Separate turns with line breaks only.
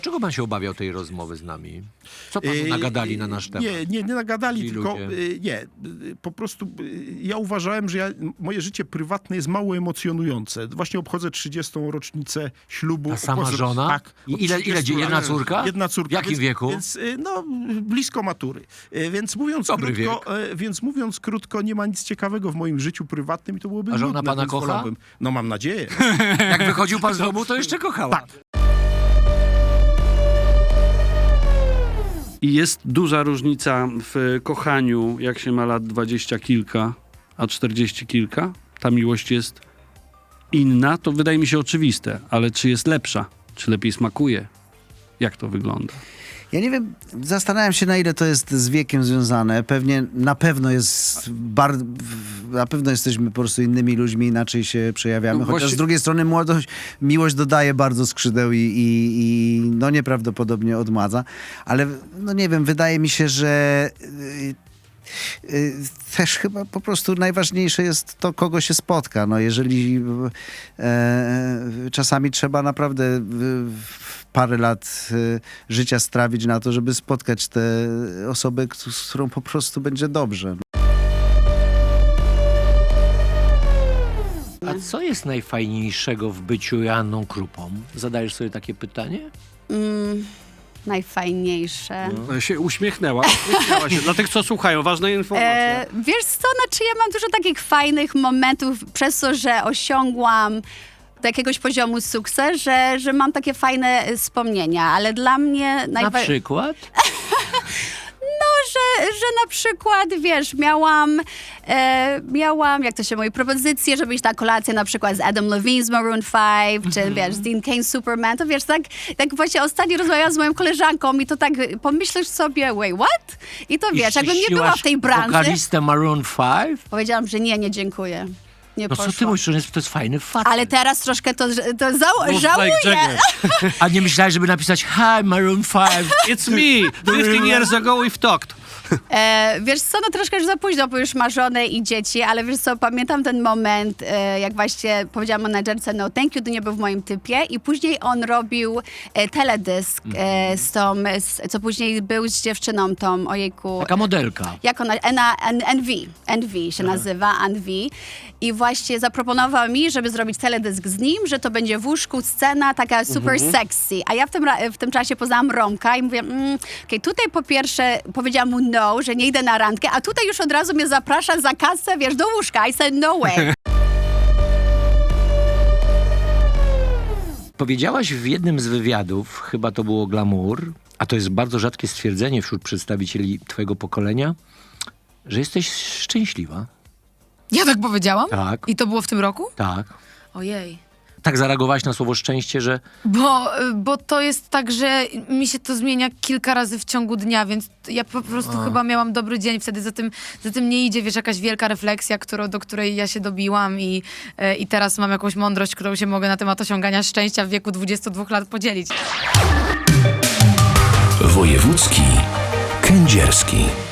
Czego pan się obawiał tej rozmowy z nami? Co panu nagadali na nasz temat?
Nie nagadali,
Ci
tylko
ludzie.
po prostu ja uważałem, że moje życie prywatne jest mało emocjonujące. Właśnie obchodzę 30. rocznicę ślubu.
A sama żona?
Tak.
I
od
ile
30
jedna
lat.
córka?
Jedna córka.
W jakim wieku?
Więc, no, blisko matury. Więc mówiąc
Dobry
krótko, mówiąc krótko, nie ma nic ciekawego w moim życiu prywatnym i to byłoby
A żona
nudne,
pana
więc
kocha?
wolałbym. No mam nadzieję.
Jak wychodził pan z domu, to jeszcze kochała.
Tak.
I jest duża różnica w kochaniu, jak się ma lat 20 kilka, a 40 kilka. Ta miłość jest inna, to wydaje mi się oczywiste, ale czy jest lepsza? Czy lepiej smakuje? Jak to wygląda?
Ja nie wiem, zastanawiam się, na ile to jest z wiekiem związane. Na pewno jest na pewno jesteśmy po prostu innymi ludźmi, inaczej się przejawiamy.
No
Chociaż
właśnie-
z drugiej strony miłość dodaje bardzo skrzydeł i no nieprawdopodobnie odmadza. Ale no nie wiem, wydaje mi się, że też chyba po prostu najważniejsze jest to, kogo się spotka. No jeżeli czasami trzeba naprawdę parę lat życia strawić na to, żeby spotkać tę osobę, z którą po prostu będzie dobrze.
A co jest najfajniejszego w byciu Joanną Krupą? Zadajesz sobie takie pytanie?
Najfajniejsze.
Się uśmiechnęła się. Dla tych, co słuchają, ważna informacja.
Wiesz co, znaczy ja mam dużo takich fajnych momentów przez to, że osiągłam do jakiegoś poziomu sukces, że mam takie fajne wspomnienia, ale dla mnie
Na przykład?
że na przykład, wiesz, miałam, jak to się mówi, propozycję, żeby iść na kolację na przykład z Adam Levine z Maroon 5, czy wiesz, z Dean Cain Superman, to wiesz, tak właśnie ostatnio rozmawiałam z moją koleżanką i to tak pomyślisz sobie, wait, what? I to wiesz, jakbym nie była w tej branży,
Wokalistę Maroon 5?
powiedziałam, że nie, dziękuję. Nie
No co
poszło.
ty mówisz, to jest fajny fakt.
Ale teraz troszkę to
Move
żałuję.
like Jagger.
A nie myślałeś, żeby napisać Hi Maroon 5?
It's me! 15 years ago we've talked.
Wiesz co, no troszkę już za późno, bo już ma żonę i dzieci, ale wiesz co, pamiętam ten moment, jak właśnie powiedziałam menadżerce no thank you, to nie był w moim typie i później on robił teledysk z tą, co później był z dziewczyną tą, ojejku.
Taka modelka.
Jak ona, NV się nazywa, NV. I właśnie zaproponował mi, żeby zrobić teledysk z nim, że to będzie w łóżku scena taka super sexy. A ja w tym czasie poznałam Romka i mówię, okej, tutaj po pierwsze powiedziałam mu no, że nie idę na randkę, a tutaj już od razu mnie zaprasza za kasę, wiesz, do łóżka. I said no way.
Powiedziałaś w jednym z wywiadów, chyba to było Glamour, a to jest bardzo rzadkie stwierdzenie wśród przedstawicieli twojego pokolenia, że jesteś szczęśliwa.
Ja tak powiedziałam?
Tak.
I to było w tym roku?
Tak.
Ojej.
Tak zareagowałaś na słowo szczęście, że
Bo to jest tak, że mi się to zmienia kilka razy w ciągu dnia, więc ja po prostu chyba miałam dobry dzień. Wtedy za tym nie idzie, wiesz, jakaś wielka refleksja, do której ja się dobiłam i teraz mam jakąś mądrość, którą się mogę na temat osiągania szczęścia w wieku 22 lat podzielić.
Wojewódzki kędzierski.